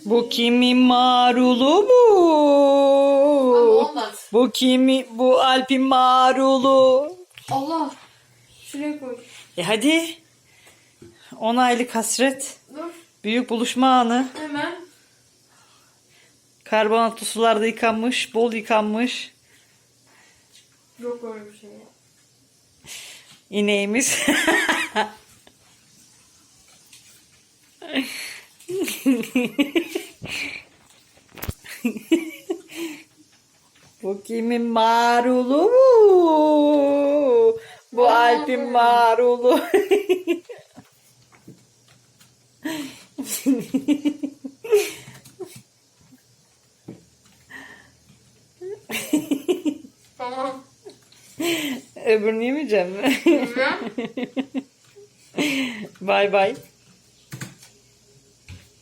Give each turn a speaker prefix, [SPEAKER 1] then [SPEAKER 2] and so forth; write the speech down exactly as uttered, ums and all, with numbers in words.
[SPEAKER 1] Bu kimin marulu bu?
[SPEAKER 2] Ama olmaz.
[SPEAKER 1] Bu kimi? Bu Alp'in marulu.
[SPEAKER 2] Allah. Şuraya koy.
[SPEAKER 1] E hadi. On aylık hasret.
[SPEAKER 2] Dur.
[SPEAKER 1] Büyük buluşma anı.
[SPEAKER 2] Hemen.
[SPEAKER 1] Karbonatlı sularda yıkanmış. Bol yıkanmış.
[SPEAKER 2] Yok öyle bir şey.
[SPEAKER 1] İneğimiz. Bu kimin marulu bu? Bu Alp'in marulu.
[SPEAKER 2] Tamam.
[SPEAKER 1] Öbürünü yemeyeceğim mi?
[SPEAKER 2] Güzel.
[SPEAKER 1] Bay bay.